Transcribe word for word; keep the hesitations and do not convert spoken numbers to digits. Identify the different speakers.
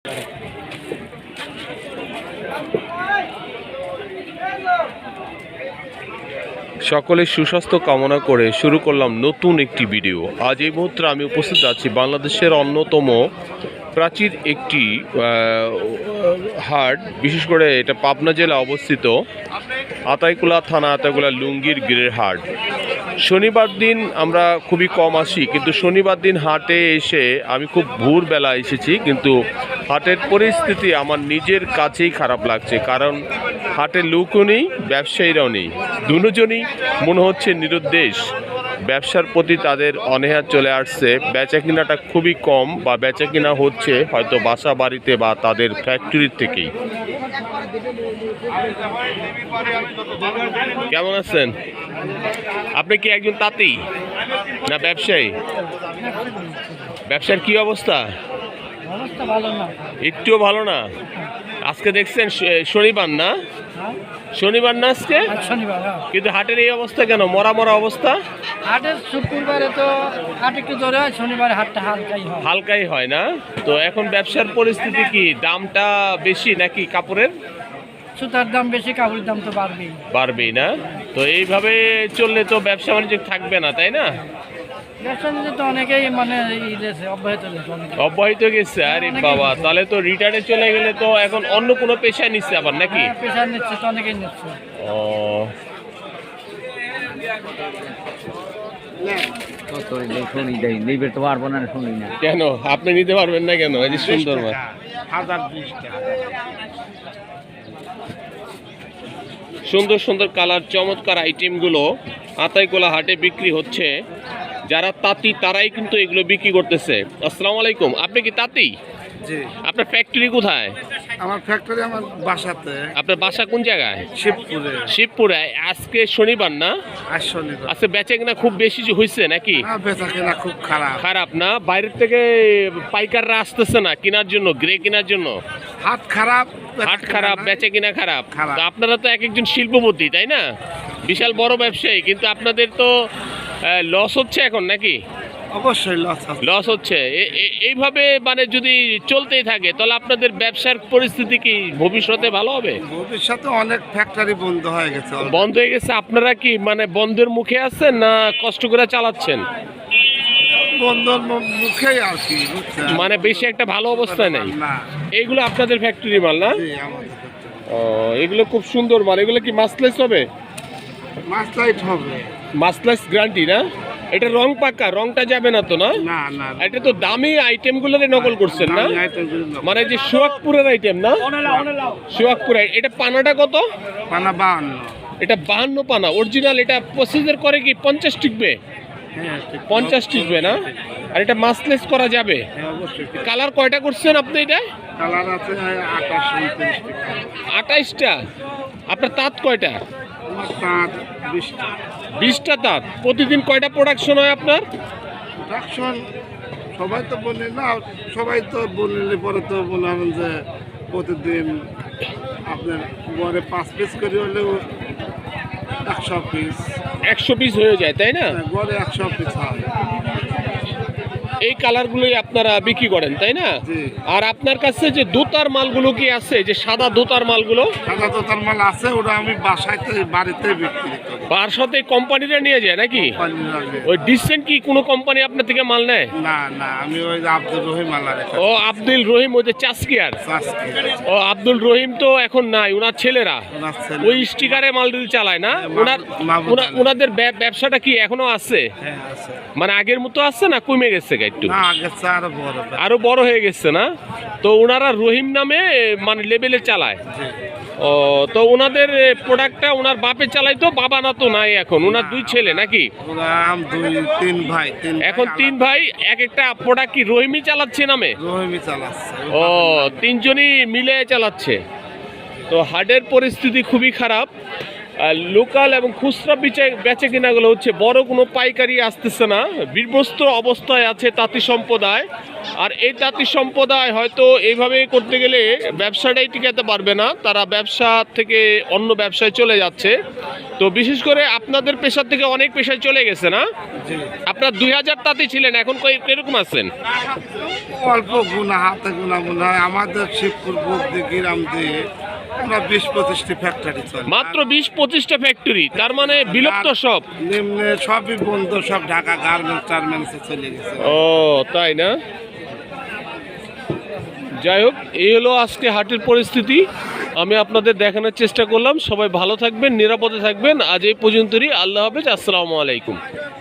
Speaker 1: সকলের সুস্বাস্থ্য কামনা করে শুরু করলাম নতুন একটি ভিডিও। আজ এই মুহূর্তে আমি উপস্থিত আছি বাংলাদেশের অন্যতম প্রাচীর একটি হাট, বিশেষ করে এটা পাবনা জেলা অবস্থিত আতাইকুলা থানা আতাইকুলা লুঙ্গির গিরের হাট। শনিবার দিন আমরা খুবই কম আসি, কিন্তু শনিবার দিন হাটে এসে আমি খুব ভোরবেলা এসেছি, কিন্তু হাটের পরিস্থিতি আমার নিজের কাছেই খারাপ লাগছে। কারণ হাটের লোকও নেই, ব্যবসায়ীরাও নেই, দুজনই মনে হচ্ছে নিরুদ্দেশ। ব্যবসার প্রতি তাদের অনীহা চলে আসছে, বেচা কিনাটা খুবই কম, বা বেচা কিনা হচ্ছে হয়তো বাসা বাড়িতে বা তাদের ফ্যাক্টরির থেকেই। কেমন আছেন? আপনি কি একজন তাঁতি না ব্যবসায়ী? ব্যবসার কি অবস্থা? একটুও ভালো না। আজকে দেখছেন শনিবার না? শনিবার না আজকে, কিন্তু হাটের এই অবস্থা কেন? মরা মরা অবস্থা।
Speaker 2: হাটের শুক্রবারে তো হাট একটু জোরে হয়, শনিবারে হাটটা হালকাই হয়।
Speaker 1: হালকাই হয় না? তো এখন ব্যবসার পরিস্থিতি কি? দামটা বেশি নাকি কাপড়ের?
Speaker 2: সুতার দাম বেশি, কাপড়ের দাম তো বাড়বেই বাড়বেই
Speaker 1: না? তো এইভাবে চললে তো ব্যবসা বাণিজ্য থাকবে না, তাই না?
Speaker 2: ব্যবসা বাণিজ্য তো অনেকেই মানে অব্যাহত
Speaker 1: অব্যাহত গেছে। আরে বাবা, তাহলে তো রিটার্নে চলে গেলে তো এখন অন্য কোনো পেশায় নিচ্ছে আবার নাকি?
Speaker 2: পেশা নিচ্ছে তো, অনেকেই নিচ্ছে।
Speaker 1: ও কেন আপনি নিতে পারবেন না কেন? এই যে সুন্দর মাছ, সুন্দর সুন্দর কালার, চমৎকার আইটেমগুলো আতাইকুলা হাটে বিক্রি হচ্ছে। যারা তাঁতি তারাই কিন্তু এগুলো বিক্রি করতেছে। আসসালামু আলাইকুম, আপনি কি তাঁতি?
Speaker 3: জি।
Speaker 1: আপনার ফ্যাক্টরি কোথায়?
Speaker 3: আমার ফ্যাক্টরি আমার বাসাতে।
Speaker 1: আপনার বাসা কোন জায়গায়?
Speaker 3: শিবপুরে।
Speaker 1: শিবপুরে। আজকে শনিবার না?
Speaker 3: আজ শনিবার।
Speaker 1: আজকে বেচা কিনা খুব বেশি হয়েছে নাকি?
Speaker 3: না, বেচা কিনা খুব খারাপ।
Speaker 1: খারাপ না? বাইরের থেকে পাইকাররা আসতেছে না কেনার জন্য, গ্রে কেনার জন্য?
Speaker 3: হাট খারাপ,
Speaker 1: হাট খারাপ, বেচা কিনা খারাপ।
Speaker 3: খারাপ।
Speaker 1: তো আপনারা তো এক একজন শিল্পপতি, তাই না? বিশাল বড় ব্যবসায়ী, কিন্তু আপনাদের তো লস হচ্ছে এখন নাকি?
Speaker 3: অবশ্যই লস
Speaker 1: লস হচ্ছে। এইভাবে মানে যদি চলতেই থাকে তাহলে আপনাদের ব্যবসার পরিস্থিতি কি ভবিষ্যতে ভালো হবে?
Speaker 3: ভবিষ্যতে অনেক ফ্যাক্টরি বন্ধ হয়ে গেছে।
Speaker 1: বন্ধ হয়ে গেছে। আপনারা কি মানে বন্ধের মুখে আছেন না কষ্ট করে চালাচ্ছেন?
Speaker 3: বন্ধের মুখেই আর কি,
Speaker 1: মানে বেশি একটা ভালো অবস্থায় নেই। এইগুলো আপনাদের ফ্যাক্টরি মাল না? ও, এগুলো খুব সুন্দর মাল। এগুলো কি মাসলেস হবে?
Speaker 3: মাসলাইট হবে।
Speaker 1: মাসলেস গ্যারান্টি না? এটা রং পাকা, রংটা যাবে না তো? না
Speaker 3: না না,
Speaker 1: এটা তো দামি আইটেমগুলোরে নকল করছেন না? মানে যে সোহাগপুরের আইটেম না? সোহাগপুর। এটা পানাটা কত?
Speaker 3: পানা বাহান্ন।
Speaker 1: এটা বাহান্ন পানা অরিজিনাল। এটা প্রসিজার করে কি পঞ্চাশ টিকবে? পঞ্চাশ টিকবে না? আর এটা মাসলেস করা যাবে? কালার কয়টা করছেন আপনি? এটা
Speaker 3: কালার আছে আঠাশ,
Speaker 1: আঠাইশটা। আপনার তাঁত কয়টা?
Speaker 3: তাঁত বিশটা।
Speaker 1: বিশটা তাঁত। প্রতিদিন কয়টা প্রোডাকশন হয় আপনার?
Speaker 3: প্রোডাকশন সবাই তো বলে না, সবাই তো বললে পরে তো বললাম যে প্রতিদিন আপনার গড়ে পাঁচ পিস করে হলেও একশো পিস
Speaker 1: একশো পিস হয়ে যায়, তাই না?
Speaker 3: গড়ে একশো পিস হয়।
Speaker 1: এই কালারগুলোই আপনারা বিক্রি করেন, তাই না? আর আপনার কাছে যে দোতার মালগুলো কি আছে, যে সাদা দোতার মালগুলো?
Speaker 3: সাদা দোতার মাল আছে, ওটা আমি বাসাতে বাড়িতে বিক্রি করি।
Speaker 1: বাসাতে কোম্পানিরা নিয়ে যায় নাকি? ওই ডিসেন্ট কি কোনো কোম্পানি আপনার থেকে মাল নেয়?
Speaker 3: না না, আমি ওই আব্দুল রহিম মাল।
Speaker 1: ও আব্দুল রহিম, ওই যে চাষকিয়ার। ও আব্দুল রহিম তো এখন নাই, ওনার ছেলেরা ওই স্টিকারে মাল ডিল চালায় না? ওনার ওনাদের ব্যবসাটা কি এখনো আছে? মানে আগের মতো আছে না কমে গেছে? একটু আরো বড় হয়ে গেছে না? তো ওনারা রহিম নামে মানে লেভেলে চালায়। ও, তো ওনাদের প্রোডাক্টটা ওনার বাপে চালাই তো? বাবা না তো নাই এখন, ওনার দুই ছেলে নাকি?
Speaker 3: তিন ভাই।
Speaker 1: এখন তিন ভাই, এক একটা প্রোডাক্ট কি রহিমই চালাচ্ছে নামে?
Speaker 3: রহিমই চালাচ্ছে।
Speaker 1: ও, তিনজনই মিলে চালাচ্ছে। তো হাটের পরিস্থিতি খুবই খারাপ। লোকাল এবং খুচরা বেচে কিনাগুলো হচ্ছে, বড় কোনো পাইকারি আসতেছে না। বিভ্রস্ত অবস্থায় আছে তাঁতি সম্প্রদায়। আর এই তাঁতি সম্প্রদায় হয়তো এইভাবে করতে গেলে ব্যবসাটাই টিকাতে পারবে না, তারা ব্যবসা থেকে অন্য ব্যবসায় চলে যাচ্ছে। তো বিশেষ করে আপনাদের পেশার থেকে অনেক পেশায় চলে গেছে না? আপনার দুই হাজার তাঁতি ছিলেন, এখন কিরকম আছেন?
Speaker 3: অল্প গুণা হাতে গুণা মনে হয় আমাদের শিবপুর বুদ্ধি গ্রাম দিয়ে আমরা বিশ পঁচিশটি ফ্যাক্টরি চলে
Speaker 1: মাত্র বিশ পঁচিশটা ফ্যাক্টরি, তার মানে বিলুপ্ত সব।
Speaker 3: নিম্নে সবই বন্ধ, সব ঢাকা গার্মেন্টস টার্মেন্টসে চলে গেছে।
Speaker 1: ও তাই না? যাই হোক, এই হলো আজকে হাটের পরিস্থিতি, আমি আপনাদের দেখানোর চেষ্টা করলাম। সবাই ভালো থাকবেন, নিরাপদে থাকবেন। আজ এই পর্যন্তই। আল্লাহ হাফেজ, আসসালামু আলাইকুম।